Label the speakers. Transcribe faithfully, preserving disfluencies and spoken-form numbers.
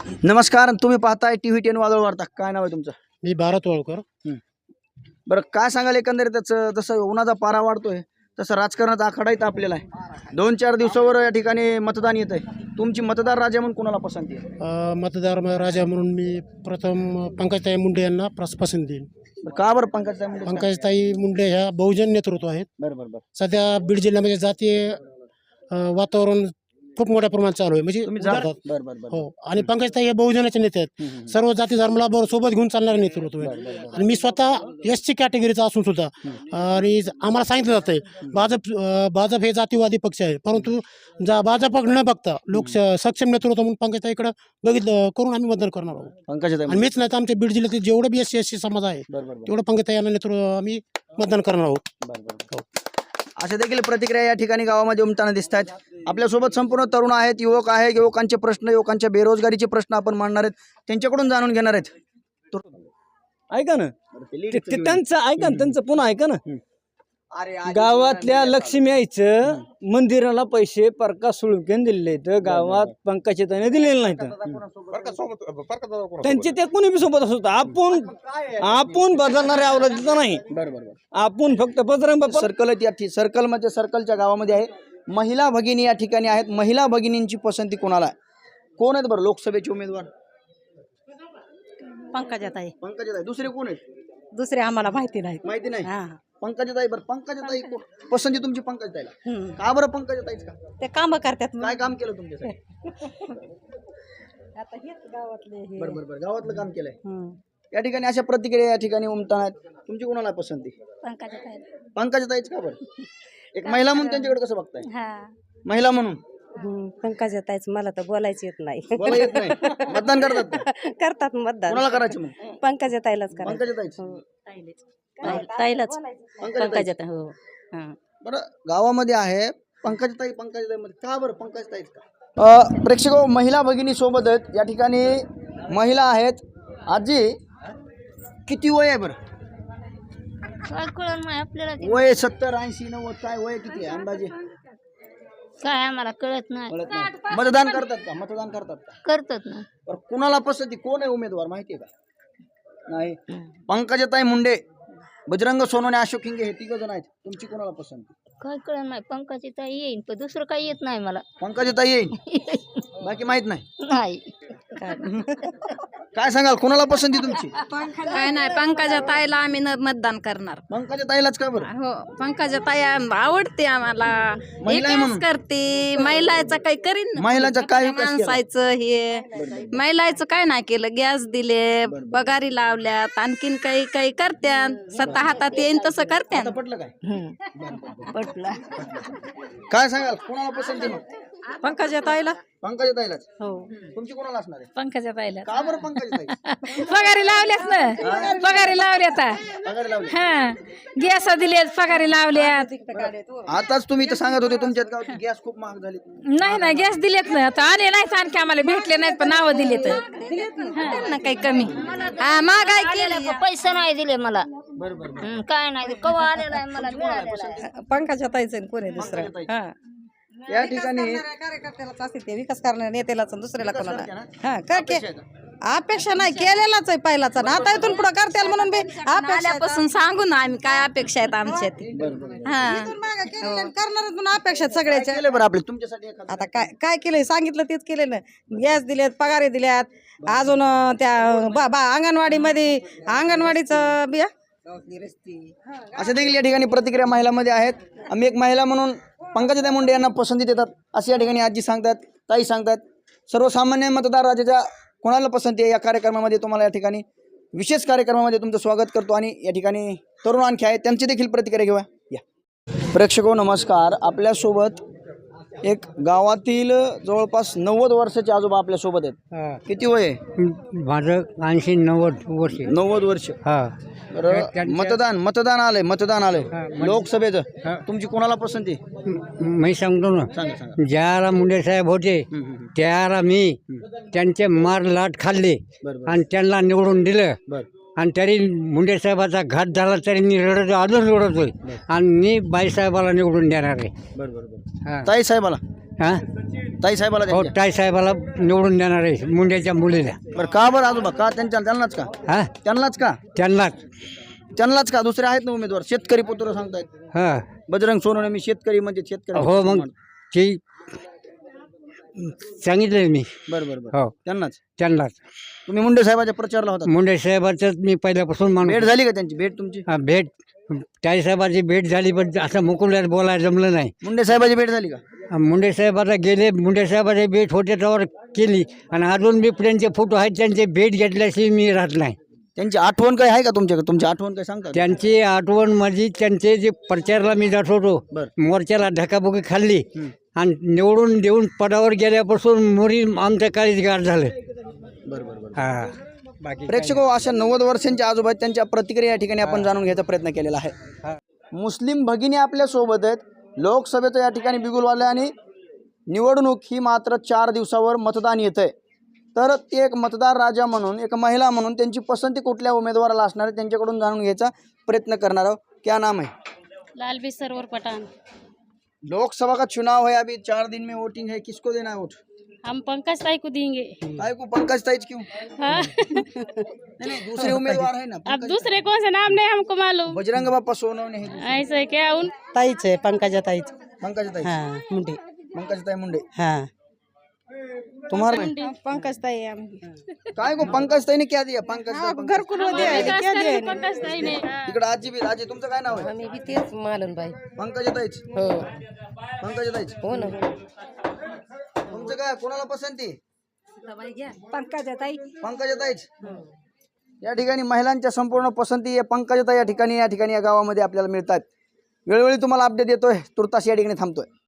Speaker 1: नमस्कार, तुम्ही पाहताय टीव्ही टेन वादळ वार्ता. काय नाव आहे तुमचं?
Speaker 2: मी भारत वाळकर.
Speaker 1: बरं, काय सांगाल एकंदरीत त्याचं? जसं उन्हाचा पारा वाढतोय तसं राजकारणाचा आखाडाही तापलेला आहे. दोन चार दिवसावर या ठिकाणी मतदान येत आहे. तुमची मतदार राजा म्हणून कोणाला पसंती आहे?
Speaker 2: अ, मतदार राजा म्हणून मी प्रथम पंकजताई मुंडे यांना प्रस पसंत देईन.
Speaker 1: बरं, का बरं पंकज मुंडे?
Speaker 2: पंकजताई मुंडे ह्या बहुजन नेतृत्व आहेत.
Speaker 1: बरं बरं बरं.
Speaker 2: सध्या बीड जिल्ह्यामध्ये जातीय अ, वातावरण खूप मोठ्या प्रमाणात चालू आहे. म्हणजे
Speaker 1: तुम्ही जा-
Speaker 2: उदाहरणार्थ-
Speaker 1: बरं बरं बरं.
Speaker 2: हो, आणि पंकजताई हे बहुजनाचे नेते आहेत.
Speaker 1: हम्म, हम्म.
Speaker 2: सर्व जाती धर्माला बरोबर सोबत घेऊन चालणारे नेतृत्व आहे.
Speaker 1: बरं, बरं, बरं.
Speaker 2: आणि मी स्वतः एस सी कॅटेगरीचा असून सुद्धा आणि आम्हाला सांगितलं जातंय भाजप अ, भाजप हे जातीवादी पक्ष आहे, परंतु जा भाजप न बघता लोक सक्षम नेतृत्व म्हणून पंकजताईकडे बघितलं करून आम्ही मतदान करणार आहोत.
Speaker 1: पंकज
Speaker 2: आणि मीच नाही तर आमच्या बीड जिल्ह्यातील जेवढे B S C S C समाज आहे
Speaker 1: बरं बरं
Speaker 2: तेवढं पंकजताई यांना नेतृत्व आम्ही मतदान करणार आहोत.
Speaker 1: बरं बरं. अशा देखील प्रतिक्रिया या ठिकाणी गावामध्ये उमटताना दिसत आहेत. आपल्यासोबत संपूर्ण तरुण आहेत, युवक आहेत. युवकांचे प्रश्न, युवकांच्या बेरोजगारीचे प्रश्न आपण मांडणार आहेत, त्यांच्याकडून जाणून घेणार आहेत.
Speaker 3: ऐका ना, ते- ते त्यांचं ऐका ना, त्यांचं पुन्हा ऐका ना. गावातल्या लक्ष्मी आईचं मंदिराला पैसे परका सुळकेन दिलेले आहेत, गावात पंकजाताईने दिलेले नाहीत. त्यांचे ते कोणी बी सोबत असत. आपण आपण बदलणारे अवलंबित नाही.
Speaker 1: बरं बरं.
Speaker 3: आपण फक्त बजरंग बाप्पा
Speaker 1: सर्कल आहेत या ठि- सर्कल म्हणजे सर्कलच्या गावामध्ये आहे. महिला भगिनी या ठिकाणी आहेत. महिला भगिनींची पसंती कोणाला आहे? कोण आहेत बरं लोकसभेचे उमेदवार?
Speaker 4: पंकजाताई.
Speaker 1: पंकजाताई. दुसरे कोण आहेत?
Speaker 4: दुसरे आम्हाला माहिती नाही.
Speaker 1: माहिती नाही.
Speaker 4: हा.
Speaker 1: पंकजाताई. बरं, पंकजाताई कोण? पसंती तुमची पंकजाताईला.
Speaker 4: हम्म.
Speaker 1: का बरं पंकजाताईच का?
Speaker 4: ते काम करतात.
Speaker 1: काय काम केलं तुमच्यासाठी?
Speaker 4: आता हेच गावातले हे.
Speaker 1: बरं बरं बरं. गावातलं काम केलंय.
Speaker 4: हम्म.
Speaker 1: या ठिकाणी अशा प्रतिक्रिया या ठिकाणी उमटतात. तुमची कोणाला पसंती?
Speaker 4: पंकजाताई.
Speaker 1: पंकजाताईच का बरं? एक महिला म्हणून त्यांच्याकडे कसं बघताय?
Speaker 4: हा.
Speaker 1: महिला म्हणून
Speaker 4: हम्म. पंकजाताईच. मला तर बोलायचं येत नाही.
Speaker 1: बोला येत नाही. मतदान करतात का?
Speaker 4: करतात मतदान.
Speaker 1: कोणाला करायचं मग?
Speaker 4: पंकजाताईलाच करायचं.
Speaker 1: पंकजाताईच.
Speaker 4: हो. ताईलाच. पंकजाताई. हो. हा.
Speaker 1: बरं, गावामध्ये आहे पंकजताई. पंकजताई मध्ये का बरं पंकजताईच का? प्रेक्षक हो, महिला भगिनी सोबत आहेत या ठिकाणी. महिला आहेत. आजी, किती वय आहे बरं?
Speaker 5: काय कळलं नाही आपल्याला ते.
Speaker 1: वय सत्तर ऐंशी नव्वद काय वय किती आहे अंदाजे?
Speaker 5: काय आम्हाला कळत नाही.
Speaker 1: कळत नाही. मतदान करतात का? मतदान करतात का?
Speaker 5: करतात ना.
Speaker 1: बरं, कुणाला पसंती? कोण आहे उमेदवार माहिती आहे का? नाही. पंकजाताई मुंडे, बजरंग सोनवणे, अशोक हिंगे हे तिघ जण आहेत. तुमची कोणाला पसंती?
Speaker 5: काय कळत नाही. पंकजाची ताई येईन पण दुसरं काही येत नाही मला.
Speaker 1: पंकजाताई येईल, बाकी माहित नाही.
Speaker 5: नाही.
Speaker 1: काय सांगाल, कोणाला पसंती तुमची?
Speaker 6: काय नाही, पंकजा ताईला आम्ही न मतदान करणार.
Speaker 1: पंकजाताईलाच का बरं?
Speaker 6: हो, पंकजा ताई आवडते आम्हाला.
Speaker 1: महिला आहे
Speaker 6: विकास
Speaker 1: म्हणून.
Speaker 6: करते महिलाचं काही करीन ना.
Speaker 1: महिलांचा काय विकास केला?
Speaker 6: माणसाचं हे महिलाचं काय नाही केलं. गॅस दिले, पगारी लावल्यात, आणखीन काही काही करत्यात. स्वतः हातात येईन तसं करत्यात.
Speaker 1: आता पटलं काय?
Speaker 4: पटला.
Speaker 1: काय सांगाल, कोणाला पसंती मग?
Speaker 4: पंकजाताईला.
Speaker 1: पंकजाताईलाच.
Speaker 4: हो.
Speaker 1: तुमची कोणाला असणार आहे?
Speaker 6: पंकजाताईला
Speaker 1: का बरं पंकजाताई?
Speaker 6: पगारी लावल्यात ना. पगारी लावल्यात.
Speaker 1: पगारी लावली.
Speaker 6: हा, गॅस दिलेत, पगारी लावल्यात.
Speaker 1: आताच तुम्ही तर सांगत होते तुमच्यात गावची गॅस खूप महाग झाली.
Speaker 6: नाही ना, गॅस दिलेत ना. आता आले नाहीत, आणखी आम्हाला भेटले नाहीत, पण नावं दिलेत. ना काही कमी. हा, महागाई केली.
Speaker 5: पैसे नाही दिले मला.
Speaker 1: बरं बरं बरं.
Speaker 5: हं, काय नाही कवा आलेला आहे मला मिळालेला आहे.
Speaker 4: पंकजाताईचं कोणी दुसरं. हा.
Speaker 1: या ठिकाणी
Speaker 4: कार्यकर्त्यालाच असते ते, विकास करणाऱ्या नेत्यालाच दुसऱ्याला कोणाला. हा. का के अपेक्षा नाही केलेलाच आहे पहिलाच. आता इथून पुढे करतील म्हणून बी अपेक्षा
Speaker 6: आल्यापासून सांगू ना आम्ही काय अपेक्षा आहेत आमच्या. हा,
Speaker 4: करणार म्हणून अपेक्षा आहेत सगळ्याच्या.
Speaker 1: केले बरं आपले तुमच्यासाठी एखादं.
Speaker 4: आता काय काय केलंय सांगितलं तेच केलं ना. गॅस दिलेत, पगारे दिल्यात. अजून अं, त्या बा बा अंगणवाडीमध्ये अंगणवाडीचं बिया.
Speaker 1: अशा देखील या ठिकाणी प्रतिक्रिया महिलांमध्ये आहेत. आम्ही एक महिला म्हणून पंकजाताई मुंडे यांना पसंती देतात असे या ठिकाणी आजी सांगतात, ताई सांगतात. सर्वसामान्य मतदार राजाच्या कोणाला पसंती आहे या कार्यक्रमामध्ये तुम्हाला या ठिकाणी विशेष कार्यक्रमामध्ये तुमचं स्वागत करतो. आणि या ठिकाणी तरुण आणखी आहेत, त्यांची देखील प्रतिक्रिया घेऊया. या प्रेक्षको नमस्कार. आपल्यासोबत एक गावातील जवळपास नव्वद वर्षाचे आजोबा आपल्यासोबत आहेत. किती वय आहे?
Speaker 2: माझं ऐंशी नव्वद वर्ष.
Speaker 1: नव्वद वर्ष.
Speaker 2: हा.
Speaker 1: बरं, मतदान मतदान आलंय मतदान आलंय लोकसभेचं. तुमची कोणाला पसंती?
Speaker 2: मी सांगतो ना,
Speaker 1: सांगा सांगा.
Speaker 2: ज्याला मुंडे साहेब होते
Speaker 1: हम्म, हम्म, हम्म.
Speaker 2: त्याला मी त्यांचे मार लाट खाल्ले
Speaker 1: बरं बरं
Speaker 2: आणि त्यांना निवडून दिलं.
Speaker 1: बरं.
Speaker 2: आणि तरी मुंडे साहेबाचा घात झाला तरी मी रडत अजून रडतोय. आणि मी बाईसाहेबाला निवडून देणार आहे.
Speaker 1: बरं बरं बरं.
Speaker 2: हा.
Speaker 1: ताई साहेबाला
Speaker 7: हा
Speaker 1: ताई साहेबाला
Speaker 7: हो
Speaker 1: त्यांच्या?
Speaker 7: ताई साहेबाला निवडून देणार आहे मुंड्याच्या मुलीला.
Speaker 1: बरं का बरं आजोबा का त्यांच्या त्यांनाच का
Speaker 7: हा
Speaker 1: त्यांनाच का
Speaker 7: त्यांनाच.
Speaker 1: त्यांनाच का दुसरे आहेत ना उमेदवार शेतकरी पुत्र सांगतायत
Speaker 7: हा
Speaker 1: बजरंग सोनवणे मी शेतकरी म्हणजे शेतकरी
Speaker 7: हो मग ते सांगितलं मी.
Speaker 1: बरं बरं बरं
Speaker 7: हो
Speaker 1: त्यांनाच
Speaker 7: त्यांनाच.
Speaker 1: तुम्ही मुंडे साहेबाच्या प्रचारला होता
Speaker 7: मुंडे साहेबाचं मी पहिल्यापासून
Speaker 1: भेट
Speaker 7: माणूस.
Speaker 1: झाली का त्यांची भेट तुमची
Speaker 7: हा भेट ताई साहेबाची भेट झाली पण असं मुकुल्यात बोलायला जमलं नाही.
Speaker 1: मुंडे साहेबाची भेट झाली का
Speaker 7: मुंडे साहेबाला गेले मुंडे साहेबाची भेट होते त्यावर केली आणि अजून बी त्यांचे फोटो आहेत त्यांचे भेट घेतल्याशिवाय मी राहत नाही.
Speaker 1: त्यांची आठवण काय आहे का तुमच्याकडे तुमची आठवण काय सांगता
Speaker 7: त्यांची आठवण माझी त्यांचे जे प्रचारला मी जात होतो
Speaker 1: बरं
Speaker 7: मोर्चाला धकाबुकी खाल्ली
Speaker 1: हं.
Speaker 7: आणि निवडून देऊन पदावर गेल्यापासून मोरी आमच्या काळीच गाठ झालं.
Speaker 1: बरं बरं बरं
Speaker 7: हा बाकी
Speaker 1: प्रेक्षक अशा नव्वद वर्षांच्या आजोबा आहेत, त्यांच्या प्रतिक्रिया या ठिकाणी आपण जाणून घ्यायचा प्रयत्न केलेला आहे. मुस्लिम भगिनी आपल्या सोबत आहेत. लोकसभेचं या ठिकाणी बिगुल वाजलं आणि निवडणूक ही मात्र चार दिवसावर मतदान येत आहे. तर ते एक मतदार राजा म्हणून एक महिला म्हणून त्यांची पसंती कुठल्या उमेदवाराला असणार आहे त्यांच्याकडून जाणून घ्यायचा प्रयत्न करणार आहोत. क्या नाम है?
Speaker 8: लालबी सरोवर पठान।
Speaker 1: लोकसभा का चुनाव है, अभी चार दिन में वोटिंग है, किसको देना है वोट?
Speaker 8: हम पंकज ताई को देंगे।
Speaker 1: काय को पंकज ताईच क्यों?
Speaker 8: हाँ।
Speaker 1: नहीं नहीं दूसरे उम्मीदवार है ना
Speaker 8: अब
Speaker 1: पंकज
Speaker 8: दूसरे कौन से नाम नहीं हमको मालूम।
Speaker 1: बजरंग बाप्पा सोनवणे है
Speaker 8: ऐसे क्या उन
Speaker 4: ताईच आहे पंकजा ताईच
Speaker 1: पंकज ताई
Speaker 4: हा मुंडे
Speaker 1: पंकज ताई मुंडे
Speaker 4: हा
Speaker 1: तुम्हारा
Speaker 4: पंकज ताई
Speaker 1: काय को पंकज ताईने क्या दिया पंकज ताई, पंकज
Speaker 4: घरकुल
Speaker 8: विकास करेंगे पंकज ताई ने। हाँ।
Speaker 1: इकडे आजी बी आजी तुमचं काय नाव आहे?
Speaker 4: मी बी तेच मालन बाई
Speaker 1: पंकज ताईच
Speaker 4: हो
Speaker 1: पंकज ताईच
Speaker 4: हो ना
Speaker 1: तुमचं काय कोणाला पसंती?
Speaker 4: पंकजा ताई
Speaker 1: पंकज ताईच या ठिकाणी महिलांच्या संपूर्ण पसंती या पंकजताई या ठिकाणी या ठिकाणी या गावामध्ये आपल्याला मिळतात. वेळोवेळी तुम्हाला अपडेट देतोय. तुर्तास या ठिकाणी थांबतोय.